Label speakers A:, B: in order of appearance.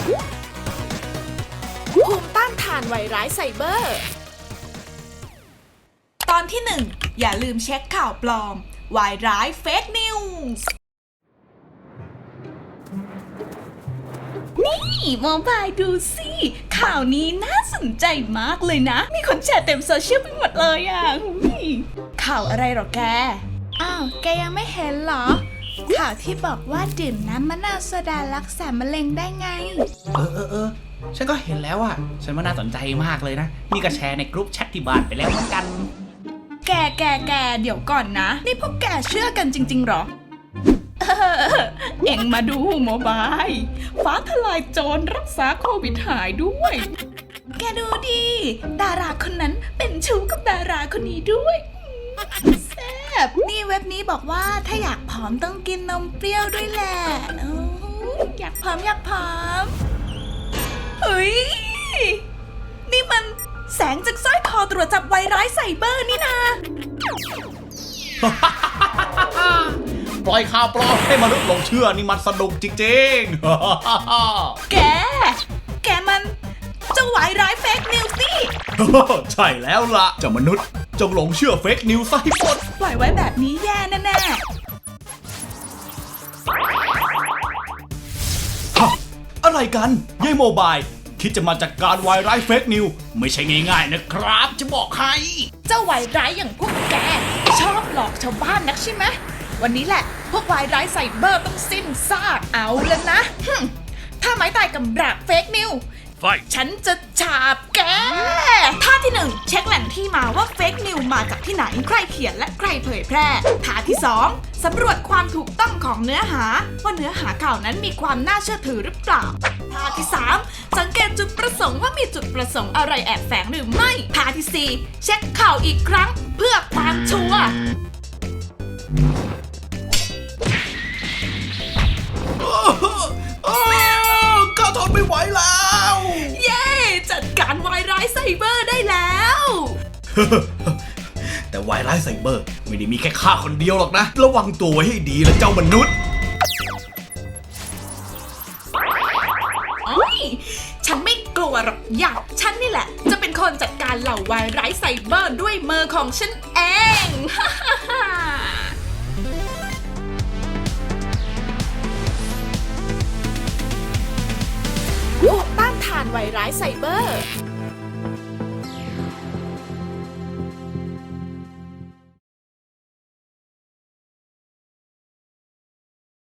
A: ภูมิต้านทานไวรัสไซเบอร์ ตอนที่ 1 อย่าลืมเช็คข่าวปลอมวายร้ายเฟกนิวส์นี่โมบายดูสิข่าวนี้น่าสนใจมากเลยนะมีคนแชร์เต็มโซเชียลไปหมดเลยอ่ะข่าวอะไรหรอแกอ้าวแกยังไม่เห็นเหรอข่าวที่บอกว่าดื่มน้ำมะนาวโซดารักษามะเร็งได้ไง
B: ฉันก็เห็นแล้วอ่ะฉันว่าน่าสนใจมากเลยนะนี่ก็แชร์ในกลุ่มแชทที่บ้านไปแล้วเหมือนกัน
A: แกเดี๋ยวก่อนนะนี่พวกแกเชื่อกันจริงๆหรอเอ็งมาดูโมบายฟ้าทลายโจรรักษาโควิดหายด้วยแกดูดิดาราคนนั้นเป็นชู้กับดาราคนนี้ด้วยแซ่บนี่เว็บนี้บอกว่าถ้าอยากผอมต้องกินนมเปรี้ยวด้วยแหละอยากผอมเฮ้ยนี่มันแสงจากสร้อยคอตรวจจับไวรัสไซเบอร์นี่นะ
B: ปล่อยข่าวปลอมให้มนุษย์หลงเชื่อนี่มันสนุกจริงๆ
A: แกมันเจ้าไวรัสเฟกนิวส์นี่
B: ใช่แล้วล่ะเจ้ามนุษย์จงหลงเชื่อเฟกนิวส์ซะให้หมด
A: ปล่อยไว้แบบนี้แย่แน่
B: อะไรกันยายโมบายคิดจะมาจัดการไวรัสเฟกนิวไม่ใช่ง่ายๆนะครับจะบอกให้
A: เจ้าไวรัสอย่างพวกแกชอบหลอกชาวบ้านนักใช่ไหมวันนี้แหละพวกไวรัสไซเบอร์ต้องสิ้นซากเอาแล้วนะถ้าไม้ตายกำราบเฟกนิวฉันจะฉาบแกท่าที่ 1 เช็คแหล่งที่มาว่าเฟกนิวมาจากที่ไหนใครเขียนและใครเผยแพร่ท่าที่ 2 สำรวจความถูกต้องของเนื้อหาว่าเนื้อหาข่าวนั้นมีความน่าเชื่อถือหรือเปล่าท่าที่ 3 สังเกตจุดประสงค์ว่ามีจุดประสงค์อะไรแอบแฝงหรือไม่ท่าที่ 4 เช็คข่าวอีกครั้งเพื่อความชัวร์
B: ข้าทนไม่ไหวแล้ว
A: เย้จัดการไวรัสไซเบอร์ได้แล้ว
B: แต่ไวรัสไซเบอร์ไม่ได้มีแค่ข้าคนเดียวหรอกนะระวังตัวไว้ให้ดีนะเจ้ามนุษย์
A: ฉันไม่กลัวหรอกอยากฉันนี่แหละจะเป็นคนจัดการเหล่าไวรัสไซเบอร์ด้วยมือของฉันเองภูมิต้านทานไวรัสไซเบอร์